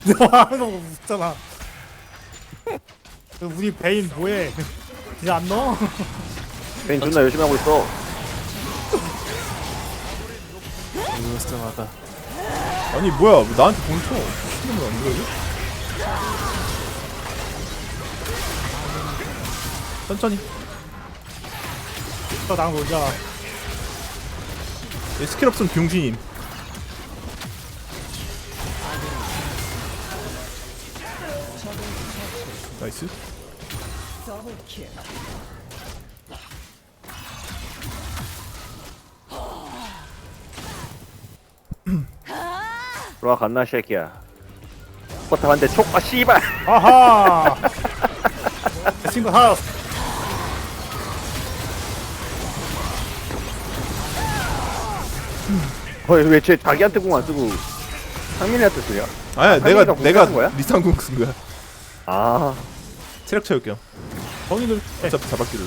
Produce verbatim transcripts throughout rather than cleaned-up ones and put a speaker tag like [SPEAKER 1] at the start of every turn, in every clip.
[SPEAKER 1] 너 하는 거 웃잖아. 우리 베인 뭐해? 이제 안 넣어?
[SPEAKER 2] 베인 존나 열심히 하고 있어.
[SPEAKER 3] 이거스마다.
[SPEAKER 4] 아니 뭐야 왜 나한테 공 쳐? 신경을 안 들어요? 천천히.
[SPEAKER 1] 너 나랑 놀자.
[SPEAKER 4] 얘 스킬 없으면 병신임. 나이스.
[SPEAKER 2] 들어와 갔나 쉐키야. 버터 한대 촉. 아 씨발.
[SPEAKER 1] 아하! 내 친구 하나.
[SPEAKER 2] 어이 왜쟤 자기한테 공 안 쓰고 상민이한테 쓰냐?
[SPEAKER 4] 아니야
[SPEAKER 2] 상민이가
[SPEAKER 4] 내가
[SPEAKER 2] 공
[SPEAKER 4] 내가
[SPEAKER 2] 쓰는 거야?
[SPEAKER 4] 리쌍공 쓴 거야.
[SPEAKER 2] 아
[SPEAKER 4] 체력 채울게요.
[SPEAKER 1] 거기를
[SPEAKER 4] 어차피 잡았길래.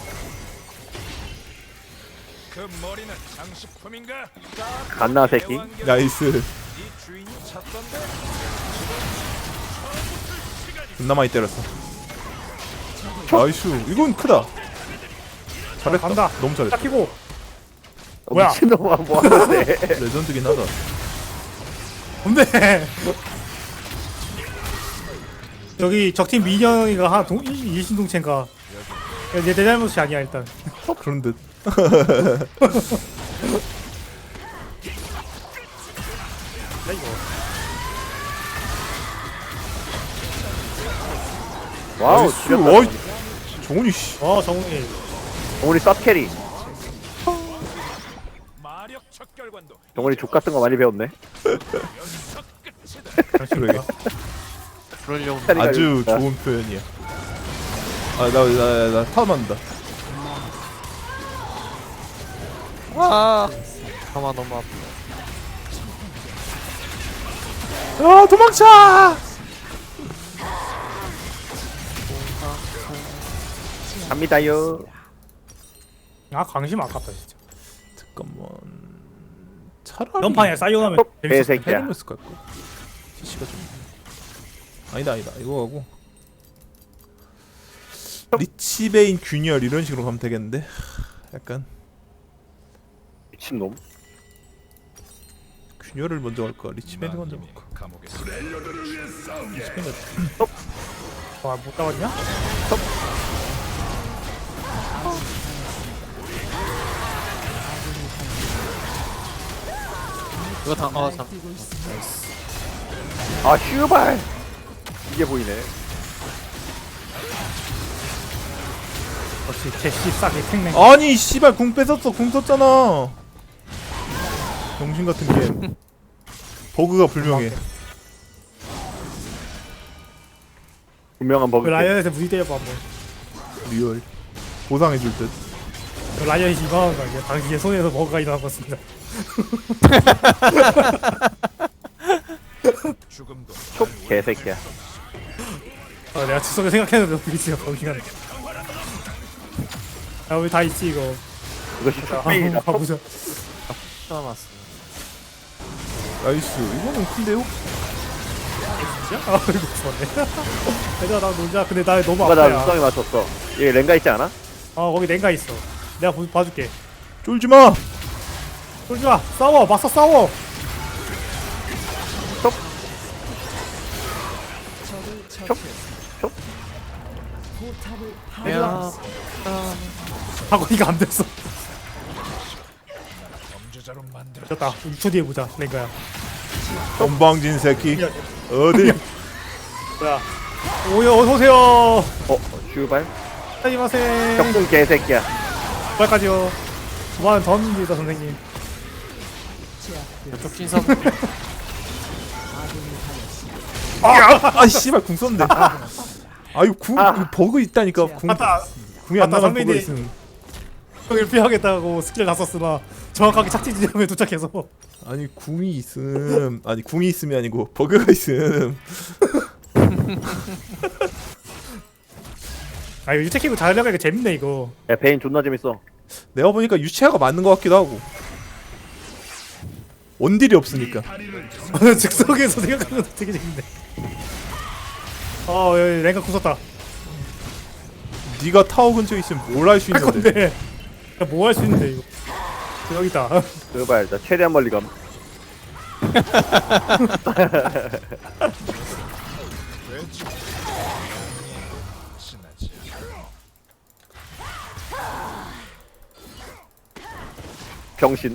[SPEAKER 5] 그 머리는 장식품인가?
[SPEAKER 2] 갔나 새끼.
[SPEAKER 4] 나이스.
[SPEAKER 5] 이 주인이 찾던데.
[SPEAKER 4] 존나 많이 때렸어. 나이스. 이건 크다. 잘했다.
[SPEAKER 1] 간다.
[SPEAKER 4] 너무 잘했다.
[SPEAKER 1] 딱 키고.
[SPEAKER 2] 어,
[SPEAKER 1] 뭐야?
[SPEAKER 2] 미친놈아 뭐하는데.
[SPEAKER 4] 레전드긴 하다.
[SPEAKER 1] 근데 저기 적팀 민영이가 하나 동 일신동체인가? 내, 내 잘못이 아니야 일단.
[SPEAKER 4] 어, 그런 듯.
[SPEAKER 1] 야 이거.
[SPEAKER 2] 와우
[SPEAKER 4] 나이스.
[SPEAKER 2] 죽였다.
[SPEAKER 4] 어이. 정훈이 씨.
[SPEAKER 1] 어 정훈이.
[SPEAKER 2] 정훈이 쌉캐리.
[SPEAKER 5] 마력 척결관도
[SPEAKER 2] 정훈이 족 같은 거 많이 배웠네.
[SPEAKER 5] 연석 끝이다.
[SPEAKER 4] 그러게.
[SPEAKER 3] 그러려고.
[SPEAKER 2] 캐리가
[SPEAKER 4] 아주
[SPEAKER 2] 있다.
[SPEAKER 4] 좋은 표현이야. 아, 나, 나, 나, 타워 맞는다.
[SPEAKER 3] 아. 가만 너무 아파.
[SPEAKER 4] 아, 도망쳐!
[SPEAKER 2] 갑니다요.
[SPEAKER 1] 아 강심 아깝다 진짜.
[SPEAKER 4] 잠깐만. 차라리.
[SPEAKER 1] 연판이야 사이오나면
[SPEAKER 2] 어,
[SPEAKER 1] 재밌었을 텐데.
[SPEAKER 2] 개새끼야.
[SPEAKER 4] 헤르메스 갈까? 티씨가 좀. 아니다, 아니다. 이거 하고. 리치베인 균열 이런 식으로 가면 되겠는데? 약간.
[SPEAKER 2] 미친놈.
[SPEAKER 4] 균열을 먼저 갈까? 리치베인을 먼저
[SPEAKER 5] 마님이
[SPEAKER 4] 갈까?
[SPEAKER 5] 감옥에
[SPEAKER 4] 리치베인
[SPEAKER 1] 와못 잡았냐?
[SPEAKER 3] 이거 다, 어, 잠.
[SPEAKER 2] 아 슈발. 이게 보이네.
[SPEAKER 1] 역시 제시 싸게 생맹.
[SPEAKER 4] 아니 씨발 궁 뺏었어. 궁 썼잖아. 병신 같은 게임. 버그가 불명해.
[SPEAKER 2] 분명한
[SPEAKER 1] 그
[SPEAKER 2] 버그.
[SPEAKER 1] 라이언한테 무리 때려봐 한번.
[SPEAKER 4] 리얼. 보상해줄 듯.
[SPEAKER 1] 그 라이언이 이만한 거 아니야? 당신의 손에서 뭐가 일어난 것입니다.
[SPEAKER 5] 죽음도
[SPEAKER 2] 촉 개새끼야.
[SPEAKER 1] 아 내가 추석에 생각했는데 비치가 거기가. 야 우리 다 있지 이거.
[SPEAKER 2] 이것이
[SPEAKER 1] 아
[SPEAKER 2] 촉배이다.
[SPEAKER 1] 가보자.
[SPEAKER 3] 남았어.
[SPEAKER 4] 나이스. 이거는 큰데요?
[SPEAKER 1] 진짜? 아 이거 좋네. 얘들아 나 놀자. 근데 나 너무
[SPEAKER 2] 누가 나
[SPEAKER 1] 아파야.
[SPEAKER 2] 수성이 맞췄어. 얘 랭가 있지 않아?
[SPEAKER 1] 어 거기 냉가 있어. 내가 보, 봐줄게.
[SPEAKER 4] 쫄지 마.
[SPEAKER 1] 쫄지 마. 싸워. 맞서 싸워.
[SPEAKER 3] 야.
[SPEAKER 1] 바구니가 안 됐어.
[SPEAKER 5] 범죄자로 만들어.
[SPEAKER 1] 됐다. 육 초 뒤에 보자. 냉가야.
[SPEAKER 4] 건방진 새끼. 어디?
[SPEAKER 1] 뭐야? 오여 어서 오세요.
[SPEAKER 2] 어 슈발.
[SPEAKER 1] 안녕하세요.
[SPEAKER 2] 격분 개새끼야.
[SPEAKER 1] 빨까지요. 그만 던집니다 선생님.
[SPEAKER 3] 이쪽 신선.
[SPEAKER 4] 아 씨발 궁 썼는데. 아 이거 궁
[SPEAKER 2] 아.
[SPEAKER 4] 이거 버그 있다니까. 궁
[SPEAKER 1] 맞다.
[SPEAKER 4] 궁이 안
[SPEAKER 1] 맞다,
[SPEAKER 4] 나간 버그
[SPEAKER 1] 선배님.
[SPEAKER 4] 있음.
[SPEAKER 1] 형을 피하겠다고 스킬 다 썼으나 정확하게 착지 지점에 도착해서.
[SPEAKER 4] 아니 궁이 있음. 아니 궁이 있음이 아니고 버그가 있음.
[SPEAKER 1] 아 이거 유채키고 잘 나가니까 재밌네 이거.
[SPEAKER 2] 야 베인 존나 재밌어.
[SPEAKER 4] 내가 보니까 유치아가 맞는 것 같기도 하고. 원딜이 없으니까.
[SPEAKER 1] 즉석에서 생각하면 되게 재밌네. 어 여기 랭가 부쉈다.
[SPEAKER 4] 네가 타워 근처에 있으면 뭘 할 수
[SPEAKER 1] 할
[SPEAKER 4] 있는데.
[SPEAKER 1] 건데 뭐 할 수 있는데 이거. 여기 있다.
[SPEAKER 2] 그거 일단 최대한 멀리 감.
[SPEAKER 5] 지나지.
[SPEAKER 2] 병신.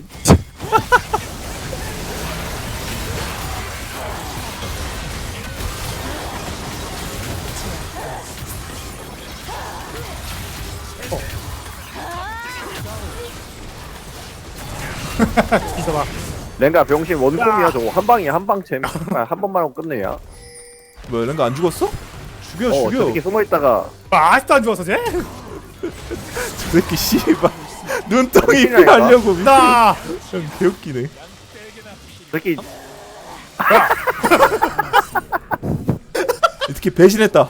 [SPEAKER 1] 있어봐.
[SPEAKER 2] 랭가 병신 원콤이야 저거 한 방이야 한 방챔. 아, 한 번만 하고 끝내야.
[SPEAKER 4] 뭐야 랭가 안 죽었어? 죽여
[SPEAKER 2] 어
[SPEAKER 4] 죽여.
[SPEAKER 2] 저렇게 숨어 있다가
[SPEAKER 1] 아, 아직도 안 죽었어 쟤?
[SPEAKER 4] 저 새끼 씨발 눈덩이
[SPEAKER 2] 미친놈이다.
[SPEAKER 4] 하려고 미친.
[SPEAKER 1] 나.
[SPEAKER 4] 형 개웃기네.
[SPEAKER 2] 저렇게
[SPEAKER 4] 이렇게 배신했다.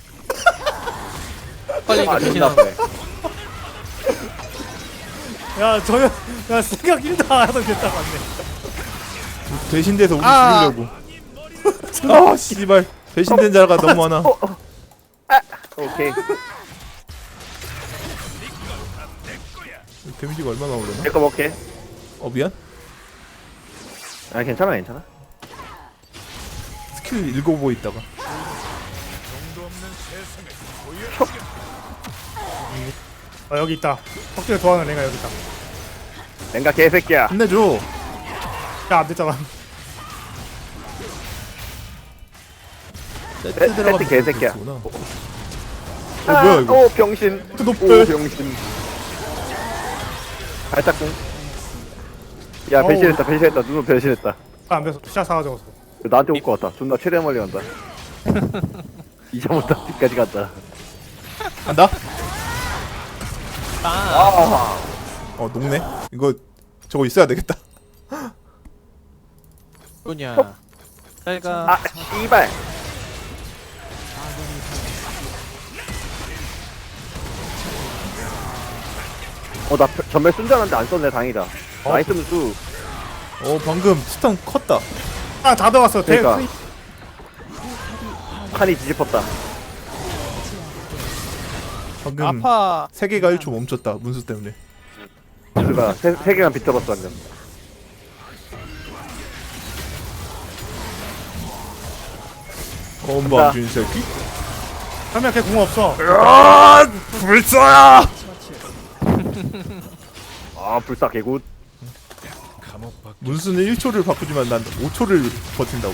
[SPEAKER 3] 빨리
[SPEAKER 2] 아
[SPEAKER 3] 이거
[SPEAKER 2] 존나
[SPEAKER 3] 대신하고.
[SPEAKER 2] 아프네.
[SPEAKER 1] 야 저야 야 생각 일도 안 하던 됐다 맞네.
[SPEAKER 4] 배신돼서 우리
[SPEAKER 3] 아.
[SPEAKER 4] 죽이려고. 아 씨발 배신된 자가 너무 많아.
[SPEAKER 2] 어, 어. 아 오케이.
[SPEAKER 4] 데미지가 얼마나 오려나?
[SPEAKER 2] 내거 먹게.
[SPEAKER 4] 어 미안.
[SPEAKER 2] 아 괜찮아 괜찮아.
[SPEAKER 4] 스킬 읽어보고 있다가.
[SPEAKER 5] 정도 없는 세상을 보여.
[SPEAKER 1] 아 여기 있다. 턱질을 좋아하는 랭가 여기 있다.
[SPEAKER 2] 랭가 개새끼야.
[SPEAKER 4] 혼내줘.
[SPEAKER 1] 야 안 됐잖아.
[SPEAKER 4] 세트
[SPEAKER 2] 세트
[SPEAKER 4] 들어가면
[SPEAKER 2] 개새끼야.
[SPEAKER 4] 되겠구나. 어
[SPEAKER 2] 아,
[SPEAKER 4] 뭐야 이거?
[SPEAKER 2] 오 병신.
[SPEAKER 1] 또 높아.
[SPEAKER 2] 오 병신. 발짝꿍. 야
[SPEAKER 1] 어우.
[SPEAKER 2] 배신했다 배신했다 누구 배신했다.
[SPEAKER 1] 안 됐어. 샷 사가지고.
[SPEAKER 2] 나한테 올 것 같다. 존나 최대한 멀리 간다. 이제부터 뒤까지 간다.
[SPEAKER 4] 간다.
[SPEAKER 3] 아,
[SPEAKER 2] 아,
[SPEAKER 4] 어 녹네. 이거 저거 있어야 되겠다.
[SPEAKER 3] 뭐냐. 잘가.
[SPEAKER 2] 아 씨발. 어나 전멸 쓴 줄 알았는데 안 썼네 다행이다. 나이스 무수.
[SPEAKER 4] 어 방금 스턴 컸다.
[SPEAKER 1] 아다 들어갔어. 대-
[SPEAKER 2] 그러니까. 칸이 뒤집혔다.
[SPEAKER 4] 방금
[SPEAKER 3] 아파.
[SPEAKER 4] 세계가 일 초 멈췄다 문수 때문에.
[SPEAKER 2] 무수가 세, 세 개만 비틀었어 방금.
[SPEAKER 4] 건방진 새끼.
[SPEAKER 1] 설명 걔궁 없어.
[SPEAKER 4] 아 불사야.
[SPEAKER 2] 아 불사 개굿.
[SPEAKER 5] 감옥 밖
[SPEAKER 4] 문수는 일 초를 바꾸지만 난 오 초를 버틴다고.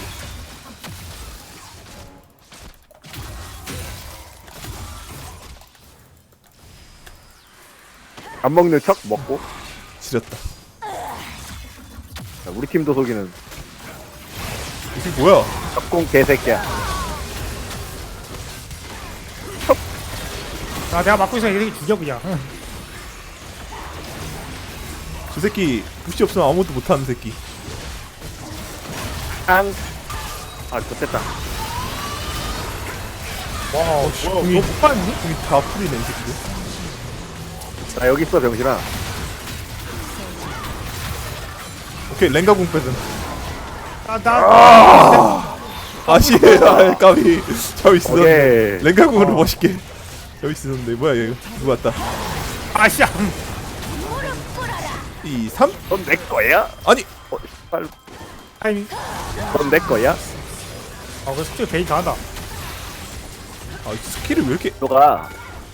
[SPEAKER 2] 안 먹는 척 먹고.
[SPEAKER 4] 지렸다.
[SPEAKER 2] 자, 우리 팀도 속이는
[SPEAKER 4] 이게 뭐야?
[SPEAKER 2] 적공 개새끼야.
[SPEAKER 1] 아 내가 맞고 있으면 이렇게 죽여 그냥.
[SPEAKER 4] 저 새끼 부시 없으면 아무것도 못하는 새끼.
[SPEAKER 2] 앙. 아 좋겠다.
[SPEAKER 1] 와 뭐야
[SPEAKER 4] 공이-
[SPEAKER 1] 너못 봤니?
[SPEAKER 4] 공이 다 풀리네 이 새끼들.
[SPEAKER 2] 나 여기 있어 병신아.
[SPEAKER 4] 오케이 랭가 공 뺏은.
[SPEAKER 1] 아나
[SPEAKER 4] 아씨 아 까비. 저 있어.
[SPEAKER 2] 오케이.
[SPEAKER 4] 랭가 공으로 멋있게. 여기 있었는데 뭐야 이거 누구 왔다.
[SPEAKER 1] 아씨야.
[SPEAKER 4] 이 삼
[SPEAKER 2] 넌 내 거야?
[SPEAKER 4] 아니
[SPEAKER 2] 어, 씨발.
[SPEAKER 1] 타이밍.
[SPEAKER 2] 넌 내 거야?
[SPEAKER 1] 아그 숙제 베인 잘한다.
[SPEAKER 4] 아 스킬을 왜 이렇게
[SPEAKER 2] 너가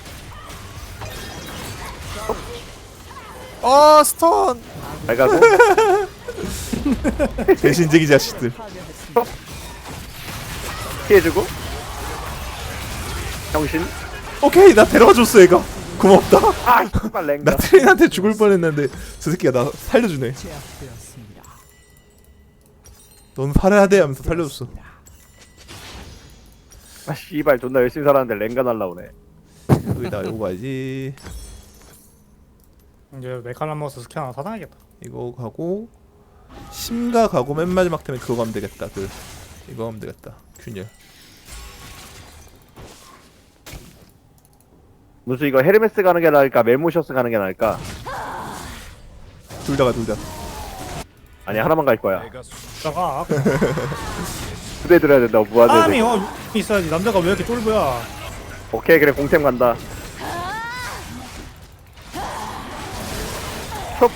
[SPEAKER 3] 어, 스톤.
[SPEAKER 2] 잘 가고.
[SPEAKER 4] 배신쟁이 자식들.
[SPEAKER 2] 피해주고. 병신.
[SPEAKER 4] 오케이 나 데려와줬어 얘가. 고맙다.
[SPEAKER 2] 아 씨발 랭가.
[SPEAKER 4] 나 트레인한테 죽을 뻔했는데 저 새끼가 나 살려주네. 넌 살아야 돼 하면서 살려줬어.
[SPEAKER 2] 아 씨발 존나 열심히 살았는데 랭가 날라오네.
[SPEAKER 4] 여기다 요거 가야지.
[SPEAKER 1] 이제 메칼라머스 스킬 하나 사놔야겠다.
[SPEAKER 4] 이거 가고 심가 가고 맨 마지막 템에 그거 가면 되겠다. 그 이거 하면 되겠다. 균열.
[SPEAKER 2] 무슨 이거 헤르메스 가는 게 나을까 멜모셔스 가는 게 나을까?
[SPEAKER 4] 둘 다가 둘 다.
[SPEAKER 2] 아니 하나만 갈 거야.
[SPEAKER 5] 내가 수-
[SPEAKER 1] 나가.
[SPEAKER 2] 부대 들어야 된다. 무한대.
[SPEAKER 1] 사람이 어 있어야지. 남자가 왜 이렇게 쫄보야?
[SPEAKER 2] 오케이 그래 공템 간다. 촉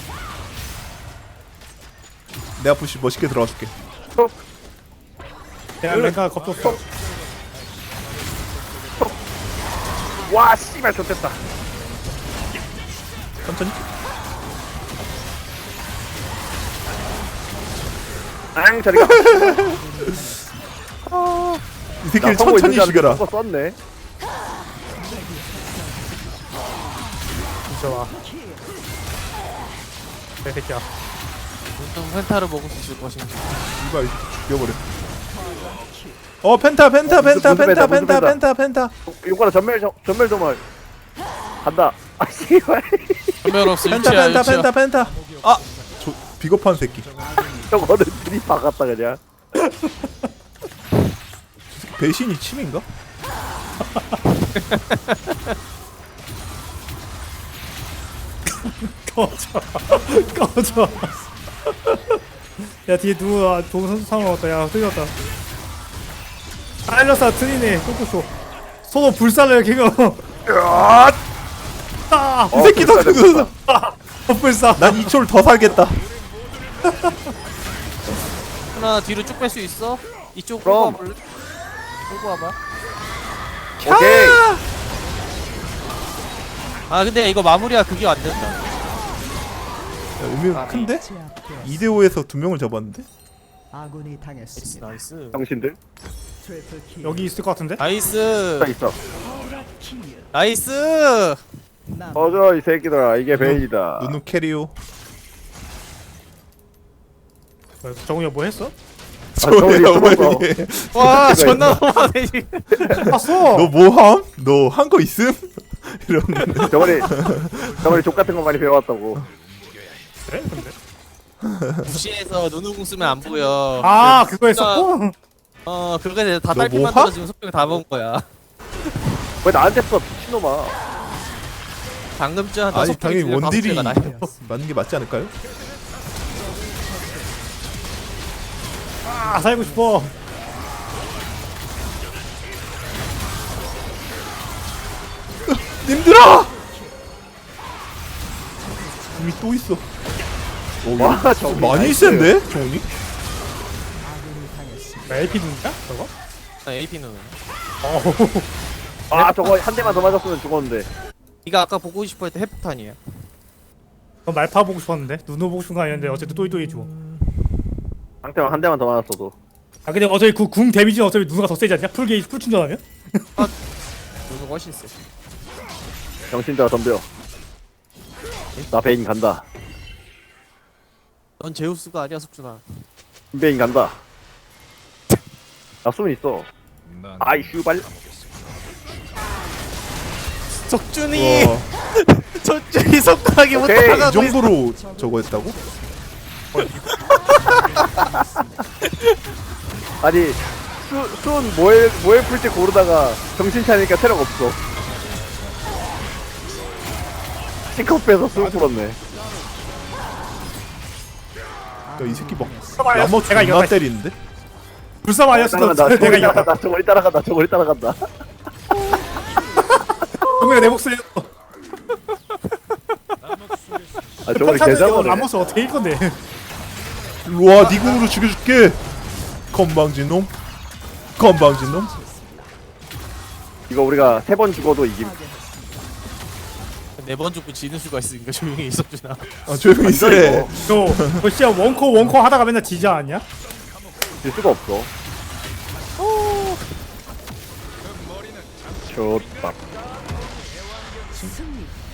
[SPEAKER 4] 내가 부시 멋있게 들어가줄게.
[SPEAKER 2] 촉.
[SPEAKER 1] 내가 내가 겁줬어.
[SPEAKER 2] 와 씨발 좋됐다.
[SPEAKER 4] 천천히.
[SPEAKER 2] 앙 저리가.
[SPEAKER 4] 이 새끼를 천천히 죽여라.
[SPEAKER 2] 거 썼네.
[SPEAKER 1] 진짜 와. 내 새끼야.
[SPEAKER 3] 보통 펜타를 먹을 수 있을 것인지.
[SPEAKER 4] 이발 죽여버려. 어 펜타 펜타
[SPEAKER 2] 어,
[SPEAKER 4] 펜타
[SPEAKER 2] 무슨
[SPEAKER 4] 펜타
[SPEAKER 2] 펜타, 무슨
[SPEAKER 4] 펜타
[SPEAKER 2] 펜타.
[SPEAKER 4] 펜타 펜타.
[SPEAKER 2] 요거라 전멸 점- 전멸 점을 간다. 아 씨발.
[SPEAKER 3] 전멸 없어.
[SPEAKER 4] 펜타
[SPEAKER 3] 유치야
[SPEAKER 4] 펜타
[SPEAKER 3] 유치야.
[SPEAKER 4] 펜타 펜타. 아, 저 비겁한 새끼.
[SPEAKER 2] 저거는 둘이 박았다 그냥.
[SPEAKER 4] 배신이 침인가?
[SPEAKER 1] 꺼져. 꺼져. 야 뒤에 누구 동선 상황 왔다. 야 틀렸다. 알렸어 트리네. 꼬꼬쇼. 서로 불살을 이렇게 거. 아,
[SPEAKER 4] 이 새끼도
[SPEAKER 2] 불사,
[SPEAKER 4] 죽었어.
[SPEAKER 1] 어, 불사.
[SPEAKER 4] 난 이 초를 더 살겠다.
[SPEAKER 3] 하나 뒤로 쭉 뺄 수 있어? 이쪽 끌고
[SPEAKER 2] 그럼.
[SPEAKER 3] 와볼래? 끌고 와봐.
[SPEAKER 2] 오케이.
[SPEAKER 3] 아 근데 이거 마무리가 그게 안 된다.
[SPEAKER 4] 야, 의미가 큰데? 이 대 오에서 두 명을 잡았는데?
[SPEAKER 6] 아군이
[SPEAKER 3] 나이스
[SPEAKER 6] 당했습니다.
[SPEAKER 3] 나이스.
[SPEAKER 2] 당신들
[SPEAKER 6] 트리플 킬.
[SPEAKER 1] 여기 있을 것 같은데?
[SPEAKER 3] 나이스.
[SPEAKER 2] 다 있어.
[SPEAKER 3] 나이스.
[SPEAKER 6] 남
[SPEAKER 2] 어저 이 새끼들아 이게 베인이다.
[SPEAKER 4] 누누 캐리오.
[SPEAKER 1] 정우야 뭐 했어?
[SPEAKER 2] 저기
[SPEAKER 4] 저야
[SPEAKER 2] 숨어서.
[SPEAKER 4] 어머니.
[SPEAKER 3] 와
[SPEAKER 2] 이거
[SPEAKER 3] 존나 너무하네 지금.
[SPEAKER 1] 봤어.
[SPEAKER 4] 너 뭐함? 너 한 거 있음? 이러는.
[SPEAKER 2] 저번에 저번에 족 같은 거 많이 배워왔다고.
[SPEAKER 1] 그래? 근데.
[SPEAKER 3] 무시해서 눈우궁 쓰면 안 보여.
[SPEAKER 1] 아 그거 했었고.
[SPEAKER 3] 어 그렇게 돼서 다
[SPEAKER 4] 너
[SPEAKER 3] 딸피
[SPEAKER 4] 뭐
[SPEAKER 3] 만들어
[SPEAKER 4] 하?
[SPEAKER 3] 지금 속병 다 먹은 거야.
[SPEAKER 2] 왜 나한테 써 미친놈아.
[SPEAKER 3] 방금 전
[SPEAKER 4] 아니
[SPEAKER 3] 다섯
[SPEAKER 4] 당연히
[SPEAKER 3] 팩이 다섯
[SPEAKER 4] 원딜이
[SPEAKER 3] 개가 나요.
[SPEAKER 4] 맞는 게 맞지 않을까요?
[SPEAKER 1] 아 살고 싶어.
[SPEAKER 4] 님들아! 궁이 또 있어. 오,
[SPEAKER 2] 와,
[SPEAKER 4] 야,
[SPEAKER 2] 저기
[SPEAKER 4] 많이
[SPEAKER 2] 나이스.
[SPEAKER 4] 센데? 종이?
[SPEAKER 1] 엘피 누구야? 저거?
[SPEAKER 3] 나 에이피는.
[SPEAKER 1] 어우.
[SPEAKER 2] 아 저거 한 대만 더 맞았으면 죽었는데.
[SPEAKER 3] 네가 아까 보고 싶어 했던 해프탄이야.
[SPEAKER 1] 넌 말파 보고 싶었는데 누누 보고 싶은 거 아니었는데 어쨌든 또이또이 주고.
[SPEAKER 2] 상대방 한 대만 더 맞았어도.
[SPEAKER 1] 아 근데 어차피 그 궁 데미지는 어차피 누누가 더 세지 않냐? 풀 게이지 풀 충전하면?
[SPEAKER 3] 누누 훨씬 세.
[SPEAKER 2] 정신자가 덤벼. 나 베인 간다.
[SPEAKER 3] 넌 제우스가 아니야 석준아.
[SPEAKER 2] 베인 간다. 나 숨이 있어.
[SPEAKER 5] 난
[SPEAKER 2] 아이 슈발.
[SPEAKER 3] 석준이
[SPEAKER 4] 와,
[SPEAKER 3] 석준이 석하기
[SPEAKER 2] 오케이,
[SPEAKER 4] 이
[SPEAKER 3] 못하가
[SPEAKER 4] 정도로 저거 했다고?
[SPEAKER 2] 아니 수, 수은 뭐해 뭐해 풀지 고르다가 정신 차리니까 체력 없어. 싱커 빼서 수은 풀었네.
[SPEAKER 4] 야, 이 새끼 막
[SPEAKER 1] 봐봐,
[SPEAKER 4] 라머
[SPEAKER 1] 내가
[SPEAKER 4] 존나
[SPEAKER 1] 이겼다.
[SPEAKER 4] 때리는데?
[SPEAKER 1] 불사 마이어스
[SPEAKER 2] 따라간다.
[SPEAKER 1] 내가
[SPEAKER 2] 저거리
[SPEAKER 1] 이겼다.
[SPEAKER 2] 따라간다. 저거리 따라간다. 저거리 따라간다.
[SPEAKER 1] 정우야 내 목소리.
[SPEAKER 2] 아 저거리
[SPEAKER 1] 평타는
[SPEAKER 2] 개잡아네.
[SPEAKER 1] 라모스 어떻게 이길 건데?
[SPEAKER 4] 일로와 니 궁으로 죽여줄게. 건방진 놈. 건방진 놈.
[SPEAKER 2] 이거 우리가 세 번 죽어도 이김.
[SPEAKER 3] 네번 죽고 지는 수가 있으니까 조용히 있어주나.
[SPEAKER 4] 아 조용히 있으래.
[SPEAKER 1] 저, 저 진짜 원코 원코 하다가 맨날 지지 않냐?
[SPEAKER 2] 질 수가 없어. 좋다.